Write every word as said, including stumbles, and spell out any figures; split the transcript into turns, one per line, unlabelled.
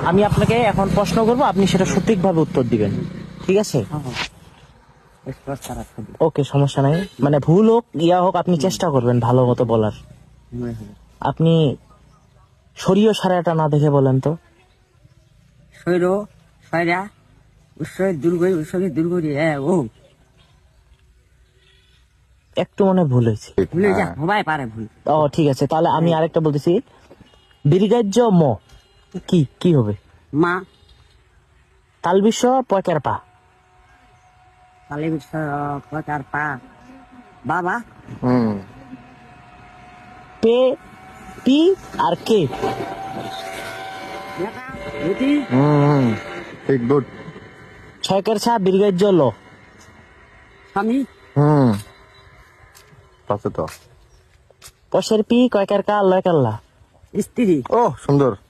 আমি আপনাকে এখন প্রশ্ন করব, আপনি সেটা সঠিকভাবে উত্তর দিবেন, ঠিক আছে? ওকে, সমস্যা নাই, মানে ভুল হোক ইয়া হোক আপনি চেষ্টা করবেন ভালো মতো বলার। আপনি শরীয় সারাটা না দেখে বলেন তো।
শৈর সয়রা উৎসবের দুর্গ উৎসবের দুর্গ হ্যাঁ ও
একটু মনে ভুল হয়েছে।
ভুলে যা সবাই পারে ভুল।
ও ঠিক আছে, তাহলে আমি আরেকটা বলতেছি, দীর্ঘাজ্য ম কি কি হবে?
মা
তালবিশ্ব পয়কার পা।
কালী বিশ্ব প্রচার পা বাবা
হুম
পে পি আর কে।
রুটি
হুম ঠিক গুড।
ছয়কের ছা দীর্ঘাজ্য ল।
স্বামী
হুম পাচ্ছে তো।
পশের পি কয়কার কা লয়কার লা।
স্ত্রী
ও সুন্দর।